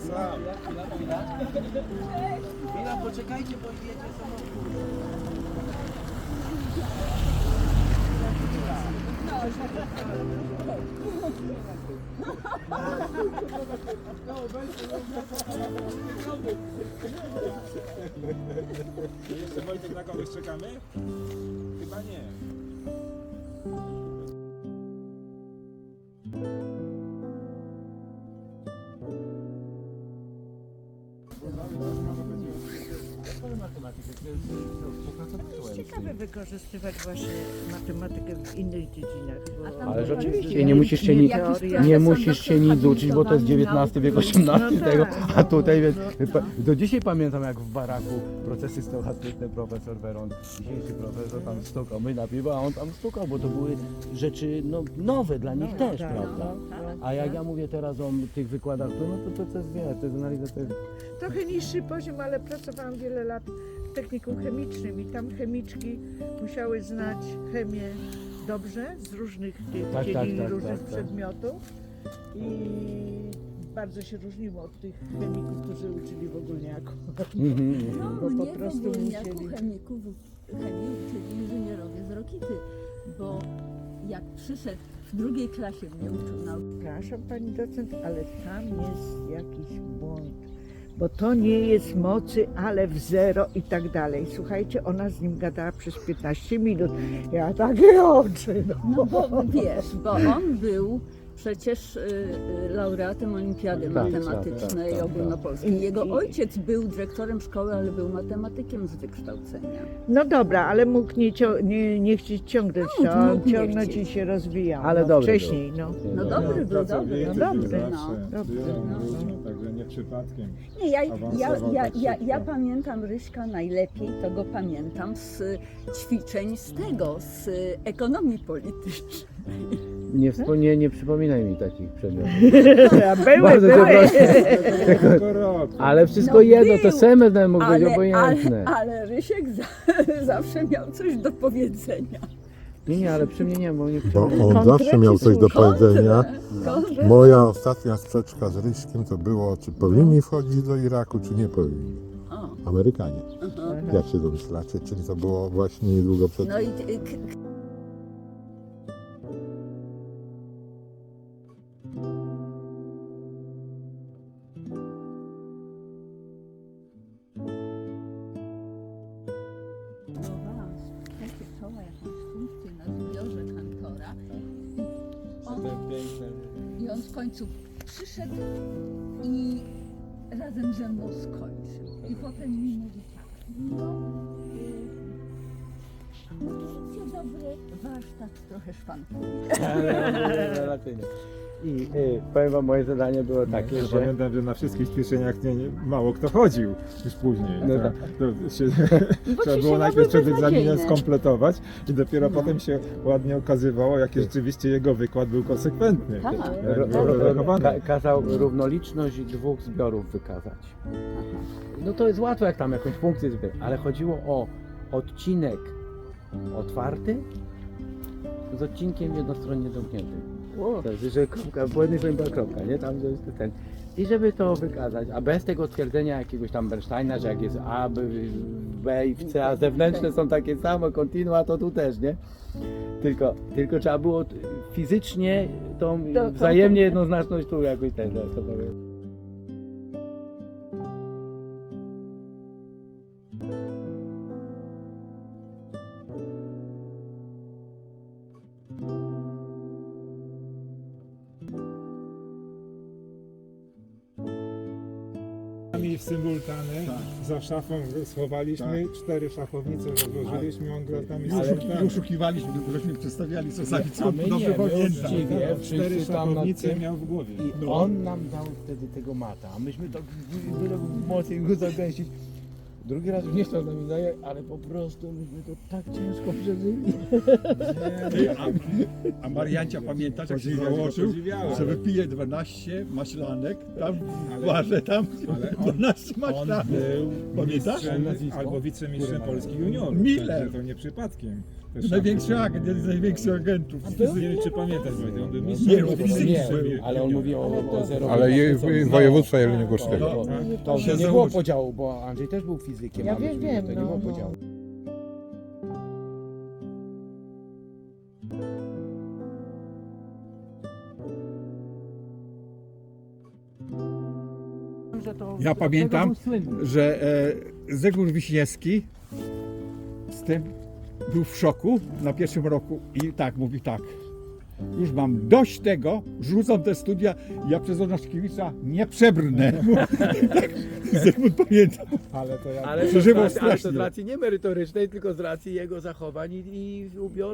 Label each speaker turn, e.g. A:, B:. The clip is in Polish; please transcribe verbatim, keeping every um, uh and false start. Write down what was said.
A: sam.
B: Chwila, chwila. Chwila, poczekajcie, bo jedzie samochód.
A: Jeszcze Wojtek na kogoś czekamy? Chyba nie.
C: Ciekawe wykorzystywać właśnie matematykę w innych dziedzinach. Bo...
D: Ale rzeczywiście nie musisz się, ni nie musisz się nic uczyć, bo to jest dziewiętnasty wiek, osiemnasty tego, a tutaj więc, do dzisiaj pamiętam jak w baraku procesy stochastyczne profesor Weron, dzisiejszy profesor tam stukał, my na piwo, a on tam stukał, bo to były rzeczy no, nowe dla nich też, prawda? A jak ja mówię teraz o tych wykładach, to, no to, to, to jest, wiesz, to jest analiza, to jest...
C: Trochę niższy poziom, ale pracowałam wiele lat w technikum chemicznym i tam chemiczki musiały znać chemię dobrze z różnych tych
D: Tak,
C: dziedzin,
D: tak, tak,
C: różnych
D: tak, tak.
C: przedmiotów i bardzo się różniło od tych chemików, którzy uczyli w ogólniaku.
D: Mhm.
E: No,
C: Bo
E: mnie
C: po
E: w
C: prostu
E: ogólniaku
C: musieli.
E: chemików, chemii uczyli inżynierowie z Rokity, bo jak przyszedł w drugiej klasie mnie uczył nauki.
C: Przepraszam pani docent, ale tam jest jakiś błąd. Bo to nie jest mocy, ale w zero i tak dalej. Słuchajcie, ona z nim gadała przez piętnaście minut. Ja takie oczy. No.
E: No bo wiesz, bo on był przecież y, y, laureatem Olimpiady
D: Tak,
E: Matematycznej
D: tak, tak, tak,
E: Ogólnopolskiej. Jego
C: I-
E: ojciec był dyrektorem szkoły, ale był matematykiem z wykształcenia.
C: No dobra, ale mógł nie, cio- nie, nie chcieć ciągnąć
E: No,
C: to,
E: mógł nie
C: ciągnąć
E: chcieć.
C: i się rozwijał.
D: Ale
C: no,
D: dobry
C: wcześniej, no.
E: No dobry był, dobry.
A: Pracowity
C: no
A: był
C: dobry.
A: zawsze.
E: No,
C: dobry,
A: Był,
C: no.
A: był, także nie przypadkiem.
E: Nie, ja, ja,
A: Awansował
E: ja,
A: tak
E: ja, ja
A: szybko.
E: pamiętam Ryśka najlepiej, to go pamiętam z ćwiczeń z tego, z ekonomii politycznej.
D: Nie, wspo- nie, nie przypominaj mi takich przedmiotów.
C: Były,
D: Bardzo
C: były.
D: przepraszam.
A: Tylko rok.
D: Ale wszystko
E: No
D: jedno, to
E: był,
D: semestr mógł być
E: Ale, ale,
D: obojętne.
E: ale Rysiek za, zawsze miał coś do powiedzenia.
D: Nie, nie, ale przy mnie nie, bo nie
F: Bo
D: chciałem.
F: on
C: Kontrę
F: zawsze miał
C: czy
F: coś do
E: Kontrę,
F: powiedzenia.
E: kontrę.
F: Moja ostatnia sprzeczka z Ryśkiem to było, czy powinni wchodzić do Iraku, czy nie powinni.
E: O,
F: Amerykanie.
E: aha.
F: Jak się domyślacie, czyli to było właśnie niedługo przed...
E: No i k- k- Próbowałam takie czoła jakąś funkcję na zbiorze kantora. On, I on w końcu przyszedł i razem ze mną skończył. I potem mi mówi tak, no, y, wiecie, dobry warsztat trochę szwankuje.
D: Rewelacyjnie. I y, powiem wam, moje zadanie było takie,
A: Ja
D: że...
A: pamiętam, że na wszystkich ćwiczeniach nie, nie, mało kto chodził już później.
D: No
A: to,
D: tak.
A: to się,
E: Bo
A: trzeba
E: ci
A: było
E: się
A: najpierw
E: robiły
A: przed egzaminem
E: beznadziejne.
A: skompletować i dopiero
E: No.
A: potem się ładnie okazywało, jaki rzeczywiście jego wykład był konsekwentny.
E: Tak.
A: Jak
D: Ro,
A: był
D: ro, ro,
A: redagowany.
D: ka, kazał równoliczność dwóch zbiorów wykazać. No to jest łatwo, jak tam jakąś funkcję zbierać, ale chodziło o odcinek otwarty z odcinkiem jednostronnie zamkniętym. To jest, że kropka, po jednej stronie była kropka, nie? Tam że jest ten. I żeby to wykazać, a bez tego twierdzenia jakiegoś tam Bernsteina, że jak jest A, B, B i w C, a zewnętrzne są takie same, kontinua, to tu też, nie? Tylko, tylko trzeba było t- fizycznie tą
E: To- to-
D: wzajemnie jednoznaczność tu jakoś ten, to, to powiem.
A: W symultany za szafą schowaliśmy, cztery szachownice rozłożyliśmy, on grał tam i symultany.
G: Uszukiwaliśmy, żeśmy przedstawiali co sami, co
D: A my
G: dobrze
D: nie, my
G: pamiętam.
D: uczciwie,
A: Cztery
D: wszyscy tam nad
A: szachownice
D: tym.
A: miał w głowie.
D: I on nam dał wtedy tego mata, a myśmy to byle mocniej go zagęścić. Drugi raz już nie chciał z nami zajechać, ale po prostu myśmy to tak ciężko przeżyli.
G: Ty, a, a Mariancia pamiętasz, jak się założył,
A: Podziwiałem.
G: że wypije dwanaście maślanek, tam
A: Ale-
G: w barze, tam
A: ale on-
G: dwanaście
A: On
G: maślanek.
A: był
G: Pamiętasz?
A: mistrzem
D: Nazwisko?
A: albo wicemistrzem Polski juniorów.
G: Miller.
A: Także to nie przypadkiem. Też
G: Największy agent, jeden z największych agentów.
A: Nie wiem, czy pamiętasz, Wojtek, on był
G: Nie,
A: mistrzem
G: no,
A: Polski
G: fizycznie
D: Nie,
A: juniorów.
D: ale on mówi o, o zero.
F: Ale je, w- województwa jeleniogórskiego.
D: To, to, to,
G: To się
D: nie było
G: założy.
D: podziału, bo Andrzej też był fizykiem.
C: Ja
D: a myśmy
C: wiem,
D: nie,
C: wiem,
D: To nie
C: no,
D: było
C: no.
D: podziału.
G: Ja pamiętam, że e, Zygmunt Wiśniewski z tym był w szoku na pierwszym roku i tak, mówi tak, już mam dość tego, rzucam te studia, ja przez Onaszkiewicza nie przebrnę. Tak, Zygmunt pamięta.
A: Ale to ja
D: Ale to, z
G: Przeżywał
D: racji, ale to z
G: strasznie.
D: racji nie merytorycznej, tylko z racji jego zachowań i, i ubioru.